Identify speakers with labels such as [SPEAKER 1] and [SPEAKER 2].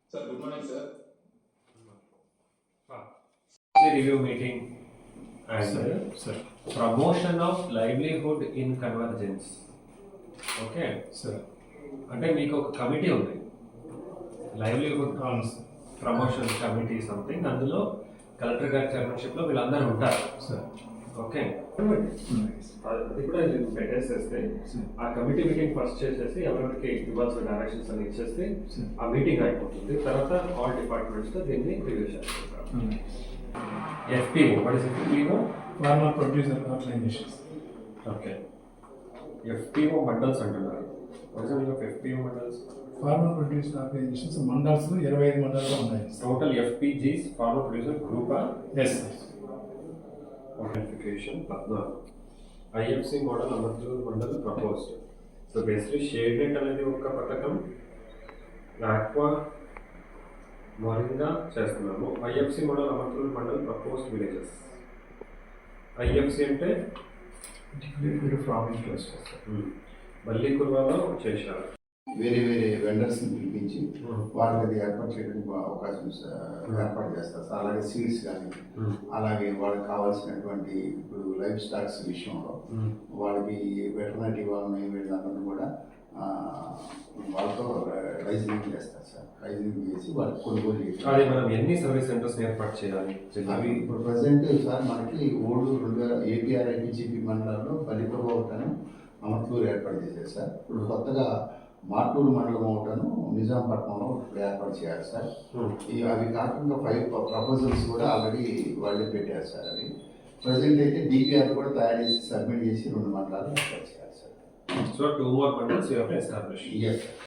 [SPEAKER 1] Sir, good morning, sir.
[SPEAKER 2] The review meeting and
[SPEAKER 3] Sir.
[SPEAKER 2] promotion of livelihood in convergence. Okay
[SPEAKER 3] Sir.
[SPEAKER 2] అంటే మీకు ఒక committee ఉంది, livelihood
[SPEAKER 3] అవును sir.
[SPEAKER 2] Promotion committee something. అందులో collector గారి చైర్మన్షిప్లో వీళ్ళందరూ ఉంటారు.
[SPEAKER 3] సార్.
[SPEAKER 2] ఓకే, అది కూడా నేను పెట్టేసేస్తే ఆ కమిటీ మీటింగ్ ఫస్ట్ చేసేసి ఎవరికి ఇవ్వాల్సిన డైరెక్షన్స్ అని ఇచ్చేస్తే ఆ మీటింగ్ అయిపోతుంది. తర్వాత ఆల్ డిపార్ట్మెంట్స్తో దీన్ని రివ్యూ చేస్తారు. FPO, what is FPO?
[SPEAKER 3] Farmer producer organisations.
[SPEAKER 2] Okay, FPO mandals అంటున్నారు. What is the meaning of FPO mandals?
[SPEAKER 3] Farmer producer organisations mandals 25 మండలాలు ఉన్నాయి.
[SPEAKER 2] టోటల్ ఎఫ్పిజీస్ ఫార్మర్ ప్రొడ్యూసర్ గ్రూపా?
[SPEAKER 3] Yes.
[SPEAKER 2] Notification 14. IFC model Amarchur mandal proposed. So basically shade net అనేది ఒక పథకం, aqua moringa చేస్తున్నాము. IFC model Amarchur mandal proposed villages. IFC అంటే
[SPEAKER 3] farming clusters.
[SPEAKER 2] మళ్ళీ కుర్వాలో చేశారు.
[SPEAKER 4] వేరే వేరే వెండర్స్ని పిలిపించి వాళ్ళకి అది ఏర్పాటు చేయడానికి అవకాశం ఏర్పాటు చేస్తారు సార్. అలాగే సీడ్స్ కానీ అలాగే వాళ్ళకి కావాల్సినటువంటి ఇప్పుడు లైఫ్ స్టాక్స్ విషయంలో వాళ్ళకి వెటర్నరీ వాళ్ళని వీళ్ళందరినీ కూడా వాళ్ళతో రైజింగ్ చేస్తారు సార్. రైజింగ్ చేసి వాళ్ళకి కొనుగోలు చేసి
[SPEAKER 2] అది మనం ఎన్ని సర్వీస్ సెంటర్స్ ఏర్పాటు చేయాలి?
[SPEAKER 4] అవి ఇప్పుడు ప్రజెంట్ సార్ మనకి ఓల్డ్ 2000 ఏపీఆర్ఐపీజీపీ మండలాల్లో బలిప్రభ ఒకటను అమర్తూరు ఏర్పాటు చేశారు సార్. ఇప్పుడు కొత్తగా మార్టూరు మండలం ఒకటను నిజాంపట్నంలో ఇప్పుడు ఏర్పాటు చేయాలి సార్. అవి కాకుండా 5 ప్రపోజల్స్ కూడా ఆల్రెడీ వాళ్ళే పెట్టారు సార్. అవి ప్రజెంట్ అయితే డిపిఆర్ కూడా తయారు చేసి సబ్మిట్ చేసి 2 మండలాలు ఏర్పాటు చేయాలి సార్.
[SPEAKER 2] So 2 more mandals you have to establish.
[SPEAKER 4] Yes.